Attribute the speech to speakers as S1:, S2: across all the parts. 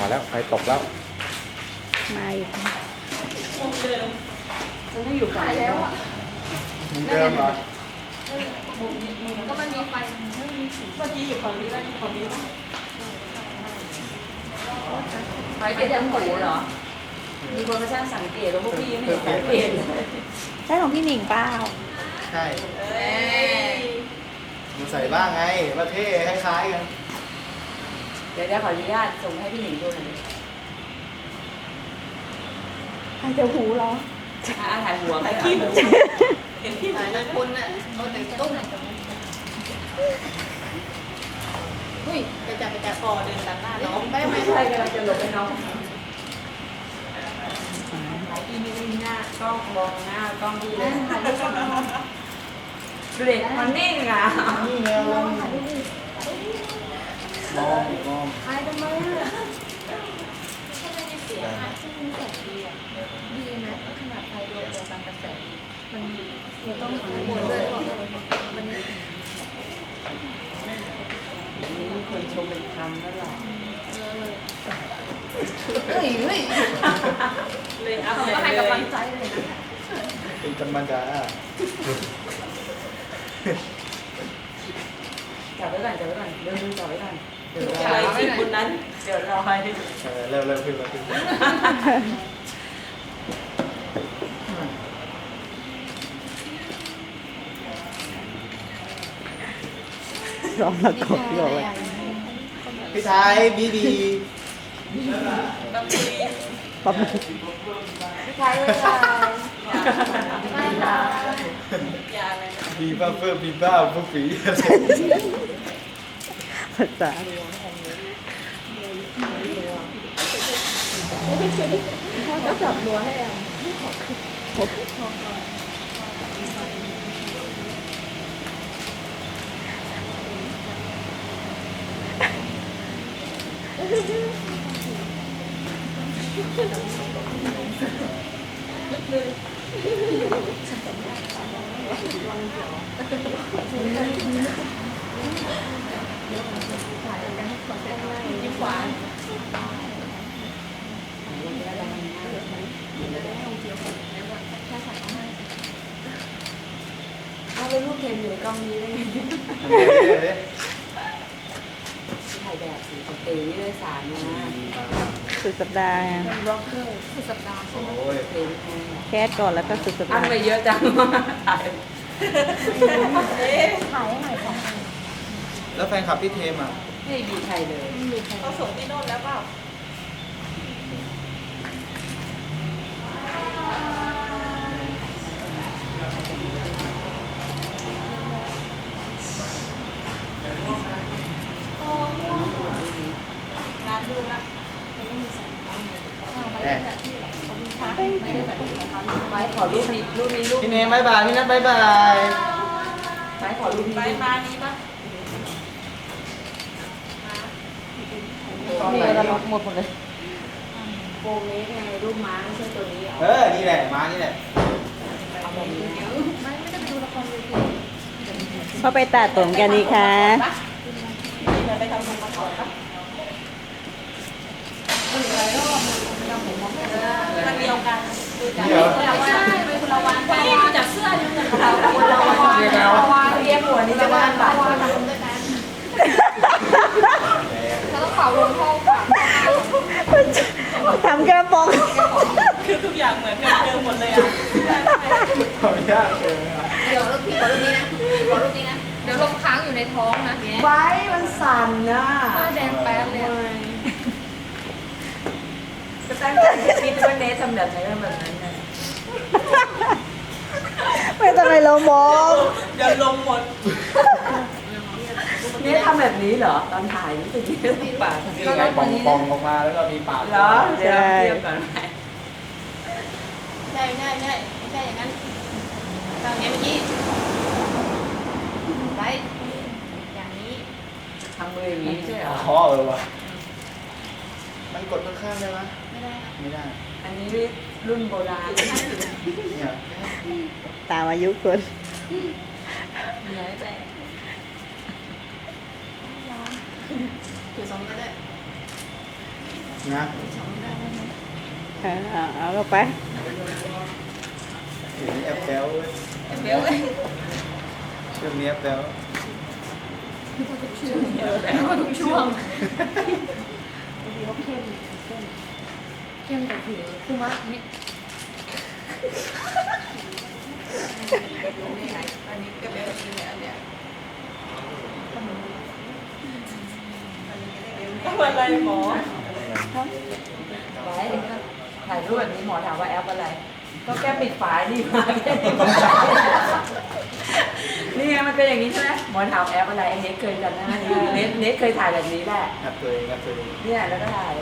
S1: มาแล้วไฟตกแล้ว
S2: มาอีก
S3: มันไม่อยู่ฝั่งแล้วอ่ะ
S1: มุมเดิมเหรอ
S3: ก็มันมีไฟเมื่อกี้อยู่ฝั่งนี้แล้วอยู่ฝั่งนี้ป่ะไฟเป็นทั้งหูเหรอมีคนมาช่างสังเกตแล้วพวกพี่ไม่เห็นสังเกตเลย
S2: ใช่ของพี่หนิงเปล่า
S1: ใช่ดูใส่บ้างไงว่าเท่คล้ายๆกัน
S3: เดี๋ยวขออนุญาตส่งให้พี่หนิงดูหน่อย
S2: ใครจะหูเหรอ
S3: ถ่ายหัวถ่ายคลิปเห็นที่ไหนนะคุณน่ะเขาแต่งตุ้มอุ้ยไปจับคอเดินตัดหน้าน้องไม่ใช่กำลังจะหลบไปน้องอีนี่หน้ากล้องมองหน้ากล้องดีเลยดูเด็กมันนิ่งอ่ะ
S1: นี่ไงมองมอง
S3: ใครทำไมอ่ะ
S4: ดีนะขนาดไฟดวงเดียวกันกระแสมันต้องหาหมดเลยมัน
S3: มีคนชมเป็นคำแล้วหรอ
S4: เฮ้ย
S3: เลยอัพ
S4: ก็ให้กำลังใจเลยนะ
S1: เป็นธรรมดา
S3: จับไว้ก่อนเดี๋ยวดูจับไว้ก่อนเดี๋ยวรอให้คนนั้นเดี๋ยวรอให้
S1: เร็วขึ้นมาขึ้น
S2: ร้องแล้วก็ร้องเลย
S1: พี่ไทยบีดี
S2: ป๊อป
S4: ใช่เลยไม่ละ
S1: บีบ้าเฟิร์บีบ้าพวกฝี
S2: ภาษา
S4: ก็จับรัวให้อ่ะ
S3: เอาเป็นรูปเทมอยู่ในกล้องนี้ได้ไงถ่ายแบบสีสเตย์นี่เลยสารนะ
S2: สุดสัปดาห์ไง
S3: ร็อกเกอร์
S4: สุดสัปดาห์ใช่ไหม
S1: โอ้ย
S3: เพลงแพง
S2: แคสก่อนแล้วก็สุดสัป
S3: อั
S2: ดาน ห์
S3: ไปเยอะจังถ่าย
S4: ถ่ายให้หน่อยค่ะ
S1: แล้วแฟนคลับพี่เทมอ่ะ
S3: ไม่มีใครเลย
S4: เขาส่งที่โน่นแล้วเปล่า
S1: แหม
S3: ไม้ขอรูปนี้รูป
S1: พี่เนมบายบายพี่นัทบายบาย
S3: ไม้ขอรูปนี้
S4: ไปมานี้ปะ
S3: มีอะไรหมดเลยโปรงนี้ไงรูปม้าไม่ใช่ตัวนี้เอา
S1: นี่แหละมานี่แหละ
S3: เอาแบบนี้
S4: ไม่ได้ไปดูละครเวที
S2: พ่อไปตัดผมกันดีคะ
S4: ไปทำบุญมาก่อนปะมันเดียวกันดูจากคนละวันเป็นคนละวันดูจากเสื้อดูจากคนละวัน
S3: เรียกหัวนี่จะบ้านบาท
S4: เขาต้องเป่าลมห้องค่ะ
S2: ทำกระป๋อง
S4: คือทุกอย่างเหมือนกันเดิมหมดเลยอ่ะ
S1: ขออนุญาตเจอ
S4: เดี๋ยวพี่ขอรูปนี้นะขอรูปนี้นะ เดี๋ยวลมค้างอยู่ในท้องนะ
S3: ไว้มันสั่นนะ
S4: หน้าแดงแป๊ดเลย
S3: ก็ตั้งใจจะคิดว่าเนททำแบบไหนแบบนั้นนะ
S2: ไม่ต้องไปลงมอง
S4: เดี๋ยวลมหมด
S3: เนททำแบบนี้เหรอตอนถ่ายนี่จะยืดปาก
S1: นี่ไงปองออกมาแล้วก็มีปาก
S3: เหรอเดี๋ยวเราเทียบกันไหม
S4: ใช่ไม่ใช่อย่างนั้นทางนี้เมื่อกี้ไว้อย่างนี้
S3: ทำมืออย่างนี้ใช่เหรอ
S1: ว่ะมันกดข้างๆได้ไหม
S4: ไม่ได้นะ
S1: ไม่ได้
S3: อันนี้รุ่นโบราณ
S1: เนี่ย
S2: ตามอายุคน
S3: เนื้อแต่
S4: ถือสองก็ได้
S1: นะ
S2: เอาเข้าไป
S1: เดี๋ยวนี้แอปแป๊วเว้ย
S3: เบลเลย
S1: ช่วงนี้แอปแป๊ว
S4: แล้วก็ทุกช่วงเข้มแต่ผิวคือว่านี่
S3: อันนี้ก็เบลจริงเนี่ยอันเนี้ยทำอะไรหมอไว้ถ่ายรูปแบบนี้หมอถามว่าแอปอะไร ก็แค่ปิดฝาดีมาแค่นี้นี่ไงมันเป็นอย่างนี้ใช่ไหมหมอถามแอปอะไรไอ้เน็ตเคยจำได้เน็ตเคยถ่ายแบบนี้แหละ
S1: แอปตัวเองแอปตัวเอง
S3: เนี่ยแล้วก็ถ่าย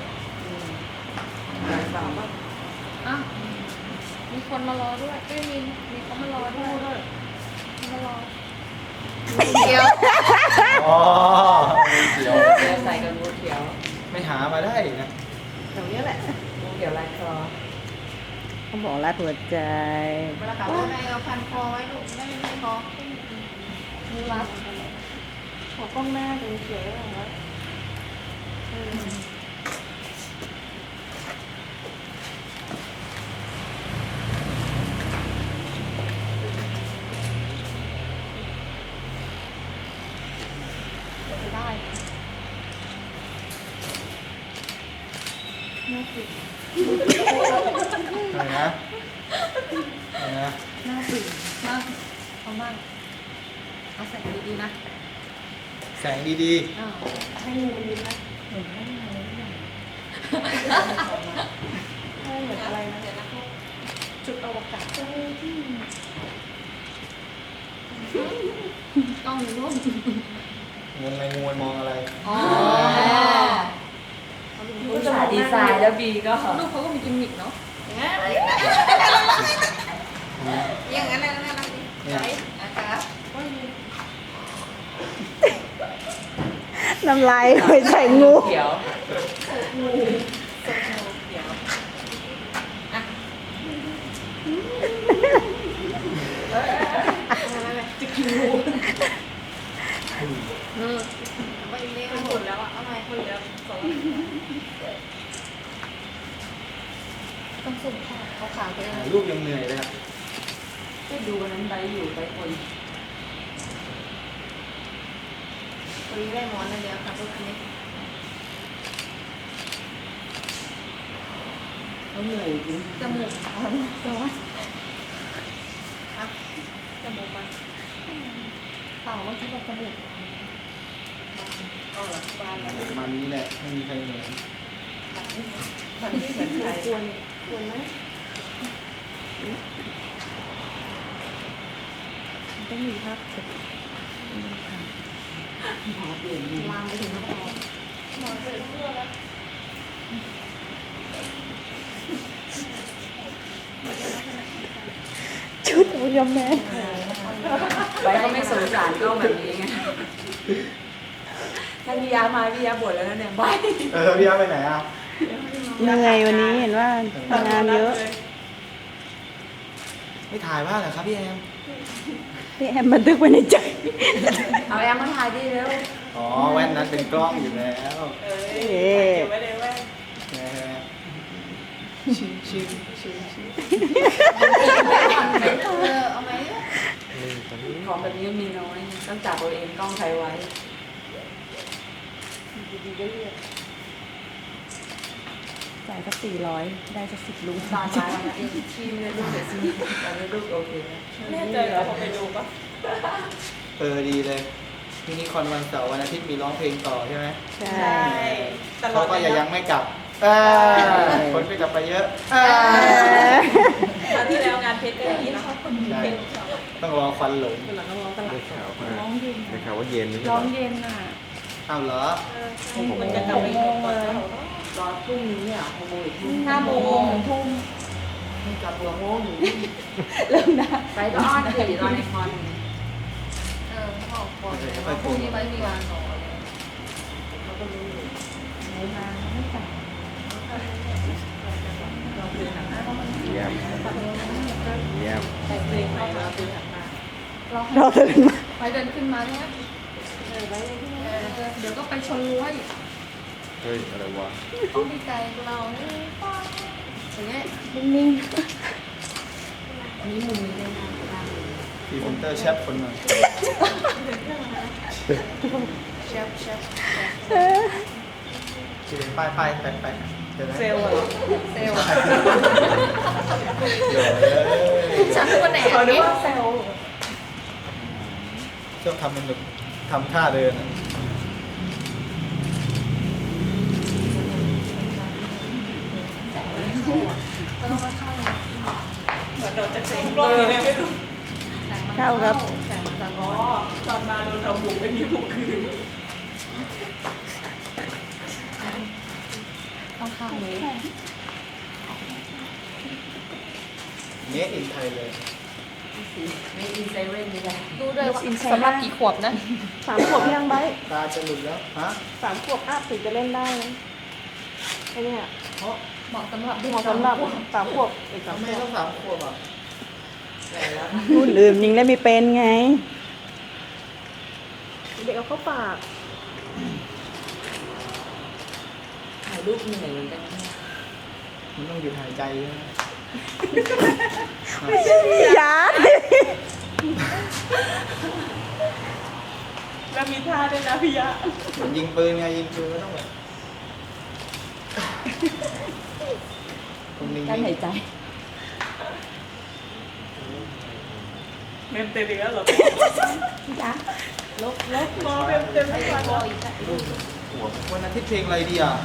S3: สามว่า
S4: อ่ะมีคนมารอด้วยไม่มีเขามารอด้วยมารอเดียว
S1: อ๋อเขียว
S3: ใส่กับงูเขียว
S1: ไม่หามาได้นะ
S2: ตรงนี้แหละ
S3: งูเขียวลายคอ
S2: เขาบอกรัดหัวใจ
S4: เวลาขับรถในเอาพันคอไว้ลูกไม่คอมือรัดขอกล้องหน้าดูเฉยๆหน่อย ได้น่าตื่น
S1: อะไรนะอะไรนะ
S4: น่าตื่นมากเอามากเอาใส่ดีๆนะ
S1: แสงดี
S4: อ้าวให้งูมันดีนะเหมือนให้งูเลยให้เหมือนอะไรนะเดี๋ยวนะจุดอวกาศกล้องในรูป
S1: ๆงงไงงูมันมองอะไร
S4: อ๋อ
S3: ผู้สาดีไซน์แล้วบีก็
S4: รูปเขาก็มีกิมมิคเนาะ
S3: อย่างนั้นนะน่ารักดี
S1: เนี่ย
S3: นะครับ
S2: น้ำลายไปใส่งู
S3: เขียว
S4: ไปเลี้ยงหมดแล้วอ่ะเอาไงคนเหลือสองต้องสุ่มเขาขาไป
S1: ถ่ายรูปยังเหนื่อยเลยอะ
S3: ก็ดูวันนั้นใบอยู่ใบคน
S4: วันนี้ได้หมอนเลยเดียวค่ะพวกนี้
S3: เขาเหนื่อยจริง
S4: จมูกตัวอะจมูกมันเปล่าว่าคิดว่าจมูก
S3: เอาหลักบ้านแล้ว
S1: มันนี้แหละไม่มีใครเหนื่อย
S3: มันไม่เหมือนใคร
S4: ควรไหมต้องมีภาพเสร็จ
S3: หมอเปลี่ยน
S4: ลามไปถึงน้ำตาหมอเสร็จเพื่อแล้ว
S2: ชุดอุยมแม่
S3: ใบก็ไม่สงสารก็แบบนี้ไงถ้าพี่ยามาพี่ยาบ่นแล้วนะเนี่ยใบ
S1: พี่อาไปไหนอ่ะ
S2: เหนื่อยวันนี้เห็นว่างานเยอะ
S1: ไม่ถ่ายบ้างเหรอครับพี่แอม
S2: พี่แอมบันทึกไว้ในใจ
S3: เอาแอมมาถ่ายดิเร็ว
S1: อ๋อแว่นนั้นเป็นกล้องอยู่แล้ว
S2: เอ๊ะ
S3: ไว้เลยแว่น
S1: ชิมชิมชิมชิม
S4: เอาไหม
S3: ของแบบนี้มีน้อยต้องจับเอาเองกล้องใครไว้
S2: ดีๆก็เรียกจ่ายสัก400 ได้สัก10 ลุง
S3: ตอนมาวันนั้นเองที่ไม่ได้ลูกเสียชีวิตตอนนี้ลูกโอเคแล้วแน่ใจเหรอพอไปดูปะ
S1: ดีเลยมินิคอนวันเสาร์วันอาทิตย์มีร้องเพลงต่อใช่ไหม
S2: ใช่
S1: เขาก็ยังไม่กลับคนก็จะไปเยอะ
S3: คราวที่แล้วงานเพชรก็อย่างนี้นะ
S1: ใช่ต้องรอควันหลง
S5: ได้ข่าวว่าได้ข่าวว่าเย็นไม่ใช่
S4: ร้
S5: เห
S4: อ
S5: รง อ
S4: เย็นอ่ะ
S1: อ้าวเหรอ
S4: มันจะกลับไปโมงเลย
S3: รอพรุ่งนี้อ่ะ6 โมงอีกทุ่ม
S4: 5 โมงทุ่ม
S3: กลับหัวโมงอยู่
S2: เริ่มนะ
S3: ไปก็อ้อนเดี๋ยวตอนในคอน
S4: เขาบอกก่อนว่าพรุ่งนี้ไม่มีงานหรอ
S3: เขาก็รู้อยู่
S4: ไหนมาไม่จ่าย
S3: เราคือหันหน้าเข้ามา
S5: เยี่ยมเยี่ยม
S3: แต่เพลงไปเราคือหันหน้า
S2: เราตื่นมา
S4: ไปเดินขึ้นมาใช่ไหมเดี๋ยวก็ไปชนรั้วอีก
S5: เฮ้ยอะไรวะ
S4: ต้องดีใจเราอย่างเงี้ย
S2: นิ่ง
S3: นี่มุมนี้ได้นะได้
S1: พรีเซนเตอร์แชฟคนใหม่
S4: เชฟ
S2: ๆ
S1: ไปเดี๋ยวนะ
S3: เซลล์เหรอเซลล์
S1: เดี๋ยว
S4: ฉันคือวันไหน
S3: เขาเรียกว่าเซลล์
S1: ชอบทำมันแบบทำท่าเดินอะ
S3: เหมือนโดนจะเซ็งรอบนี้ไม่รู้
S2: เข้าครับ
S3: อ๋อตอนมาโดนทำบุกไม่มีบุกคืน
S4: ต้องข้างนี้
S1: เนสอินไทยเลย
S3: ไม่อินเซเว่นนี่แหละ
S4: ดูเลยว่าสำหรับกี่ขวบนะ
S2: 3 ขวบยังไบ
S1: ตาจะหลุดแล้วฮะ
S2: 3 ขวบอัพถึงจะเล่นได้นะไอ้เนี่ย
S1: เพราะ
S4: เหมาะสำหรับเด็ก
S2: เหมาะสำหรับ3 ขวบอีก
S1: ทำ
S2: 3
S1: ไม
S2: ขวบ
S1: ต้อง3 ขวบอ่ะ
S2: รุ่นอื่นยังเล่นไม่เป็นไง เด็กเอาเข้าปาก
S3: ถ่ายรูปเหนื่อยเหมือนกันนะ
S1: มันต้องหยุดหายใจใช่ไหม
S2: ยาด
S3: แล้วมีท่าด้วยนะพี่ยะ
S1: เหมือนยิงปืนไงยิงปืนก็ต้องแบบตรงนี้
S3: การหายใจเมมเต็มอีกแล้วเหรอลบมอเมมเต็มทุกวันเลย
S1: วันอาทิตย์เพลงอะไรดีอ่ะ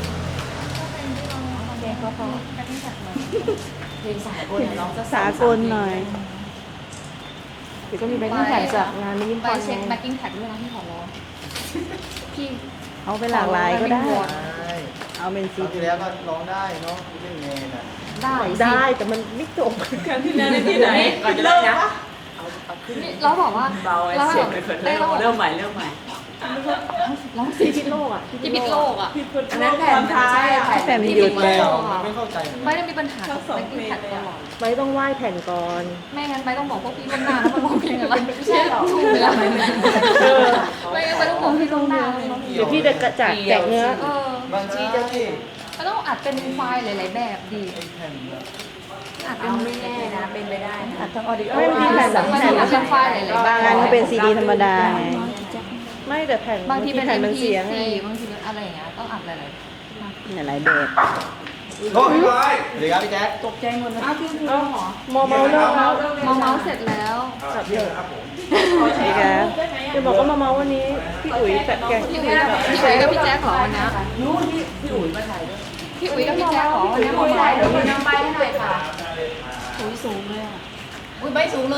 S4: แดงก็พอ
S3: เพลงสากลเนี่ยน้องจะ
S2: สากลหน่อยเดี๋ยวก็มีแบงค์แข่งจากงานนี้ยิ้ม
S4: ไป
S2: พร
S4: เช็คแบ็กกิ้งแท็กด้วยนะที่ขอร้องพี่
S2: เอาไปหลากหลายก็ได้
S1: ใช่
S2: เอาเป็น
S1: ค
S2: ซี
S1: ราวที่แล้วก็ร้องได้เนาะเล่นแมนอ่ะ
S2: ได้แต่มันไม่จบ
S3: การที่แล้วที่ไหนก่อนจะเริ่มนะเอาขึ้น
S4: นี่เราบอกว่า
S3: เบาไอ้เสียงไปคนเริ่มใหม่เริ่มใหม่
S4: เรา
S2: ที่พิษโลกอ่ะ
S4: ที่ปิดโลกอ่ะ
S3: อันนั้นแผ่นท้ายอ่ะ
S2: แต่มันหยุด
S1: แม
S2: แล้ว
S1: วไม่เข้าใจเหมือน
S4: ไม่
S1: กัน
S4: ได้มีปัญหากับแบ็กกิ้งแท็กตลอด
S2: ใบต้องไหว้แผ่นก่อน
S4: ไม่งั้นไปต้องบอกพวกพี่ล่วงหน้าแล้วมันร้องเพลงอะไรไม่ใช่หรอถูกไหมล่ะไม่งั้นไปต้องบอกพี่ล่วงหน้า
S2: เดี๋ยวพี่จะกระจัดแจกเนื้อ
S1: บางทีจะที่
S4: มันต้องอัดเป็นไฟล์หลายๆแบบดี
S1: ไอ้แผ่นแบบ
S4: อัดเป็
S3: เอา
S4: น
S3: ไม่แน่นะเป็นไปได้นะ
S2: อัดทั้งออดิโอไม่มีแผ่นสอง
S4: มัน
S2: แผ่น
S4: อัดเป็นไฟล์หลายๆแบบ
S2: บางงานก็เป็นซีดีธรรมดาไงไม่แต่แผ่น
S4: บางทีเป็น
S2: แผ่นมัน
S4: MP4
S2: เสียไง
S4: บางทีเป็นอะไรอย่างเงี้ยต้องอัดหลาย
S2: หลายแบบ
S1: โอ้ยสวัสดีครับพี่แจ๊ค
S3: ตกใจหมดเลย
S4: ๆอ้าวพี่รู้เหรอ
S2: มอเมาเลิกแล้ว
S4: มาเมาส์เสร็จแล้ว
S2: สับเยอะนี่ครับจะบอกว่ามาเมาวันนี้พี่อุ๋ยแต่แก
S4: พี่อุ๋ยกับพี่แจ๊คเหรอวันนี้
S3: นู้นพี่อุ๋ยมาถ่ายด้วย
S4: พี่อุ๋ยกับพี่แจ๊คเหรอวันนี้มา
S3: ถ่าย
S4: เมาส์
S3: เดี๋ยวมีน้ำใบให้หน่อยค่ะ
S4: อุ๋ยสูงเลยอ่ะ
S3: อุ้ยใบสูงเลย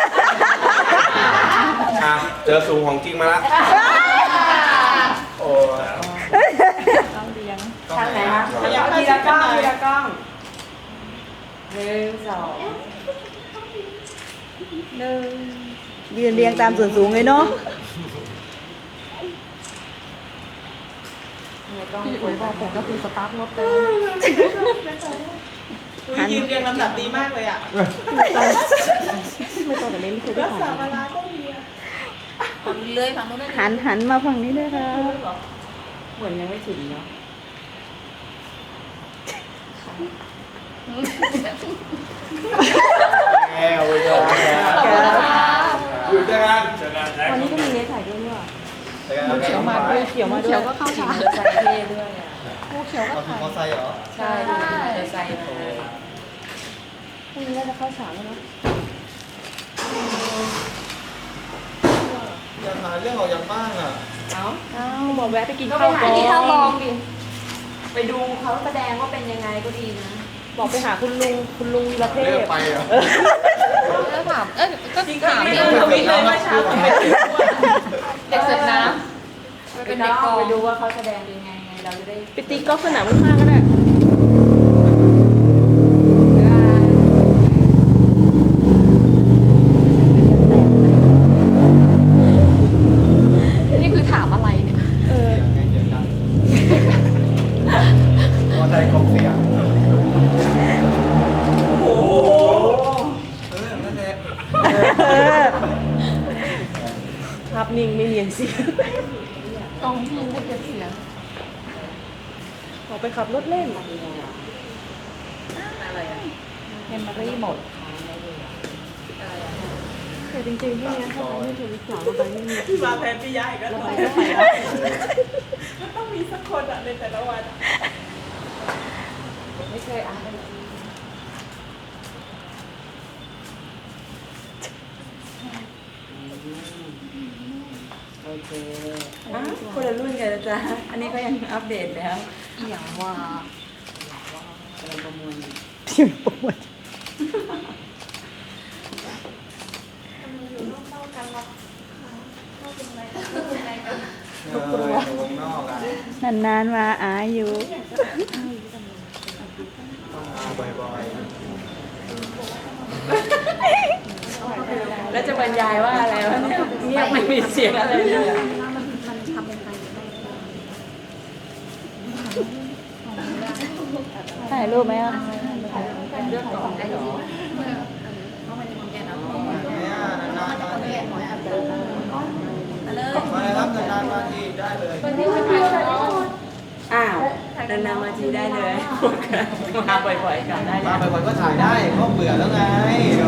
S5: อ่ะเจอสูงของจริงมาละ
S1: โอ้
S2: ต้องเลี้ยง
S1: ทางไหนคะ
S3: ทีละกล้องทีละกล้องหนึ่งสอง
S2: ยืนเรียงตามส่วนสูงเลยเนาะ
S4: พี่อุ๋ยบอกผมก็คือสตาร์ทรถเลย
S3: ยืนเรียงลำดับดีมากเลยอ่ะ
S2: ไม่ต้องแต่ไม่เคยได้ถ่าย
S4: ฝั่งนี้เลยฝั่งนู้นได้
S2: หันมาฝั่งนี้ด้วยครับ
S3: เหมือนยังไม่ถึงเนาะ
S1: แง่เว้ย
S5: อยู่ด้วยกัน
S2: วันนี้ก็มีเนื้อถ่ายด้วยเนี่ย
S1: เขียวมา
S2: เขียวมาด้ว
S4: เขี
S2: ย
S4: ยวก็เข้า
S3: ขี่
S4: ฉาม
S3: อเตอร์ไซค์เท่ด้วยอ่ะ
S4: โอ้เขียวก็
S1: เอาถึง
S4: ถ่าย
S1: มอไซค์เหรอ
S3: ใช่ขี่มอเตอร์ไซค์มา
S2: พรุ่งนี้น่าจะเข้าฉากแล้วเนาะ
S1: อยากหาเรื่องออกจากบ้านอ่ะ
S3: เอ้า
S2: อ้าวบอกแวะไปกิน
S3: ก็
S2: ข้าว
S3: ไปหา
S2: ก่อน
S3: ที่
S4: ที่
S3: ท่า
S4: เท่าลองดิ
S3: ไปดูเขาแสดงว่าเป็นยังไงก็ดีนะ
S2: บอกไปหาคุณลุงวีรเท
S1: เลือก
S2: พ
S1: ไปอ่ะ
S4: แล้วถามก็ถาม
S3: ไม่
S4: เด็
S3: รู้ทวิตเลยเมื่อเช้าทำไมถึง
S4: กเสิร์ฟน้ำไปเป็นเด็กกอง
S3: ไปดูว่าเขาแสดงเป็นยังไงเราจะได้
S2: ไปตีกอล์ฟสนามข้างๆก็ได้
S4: นี่คือถามอะไรเนี่ย
S2: เออ
S1: มอไซค์ของเสียง
S3: โอ้โห
S1: นั่นแหละ
S2: ภาพนิ่งไม่เนียนเสียง
S4: กองพี่ได้เก็บเสียง
S2: ออกไปขับรถเล่น
S3: อะไรอ่ะ
S4: เมมโมรี่หมด
S2: แต่จริงๆพวกนี้ถ้าไปไม่ถึงสาวไปไม่มี
S6: มาแทนพี่ยายก็
S2: เรา
S6: ต้อ
S2: ไป
S6: ง
S2: ไม่ไปแล้ว
S6: มันต้องมีสักคนอ่ะในแต่ละวัน
S3: ไม่เคยอ่าน
S1: โอเค
S3: คนละรุ่นกันนะจ๊ะอันนี้ก็ยังอัปเดตแล้ว
S4: อย่างว่า
S3: กำลังประมวลอยู่
S2: ที่ปวด
S4: อยู่นอกเท่ากันหรอกนอกเป็นไรกัน
S1: อยู่วงนอกอ่ะ
S2: นานๆมาอาอยู่
S1: ต้องมาบ่อย
S3: แล้วจะบรรยายว่าอะไรวะเนี่ยเงียบไม่มีเสียงอะไรเลยอะ
S4: มันทำเป็นไปได้
S2: ถ่ายรูปไหมอ่ะ
S3: เลือกก่อนได้เหรอ
S1: ๆเนี่ยนานๆมาที
S3: มาเลย
S1: มาเลยครับนานๆมาทีได้เลย
S3: อ้าวนานๆมาทีได้เลยมาบ่อยๆกันได้เล
S1: มาย บ่อยๆก็ถ่ายได้เพราะเบื่อแล้วไง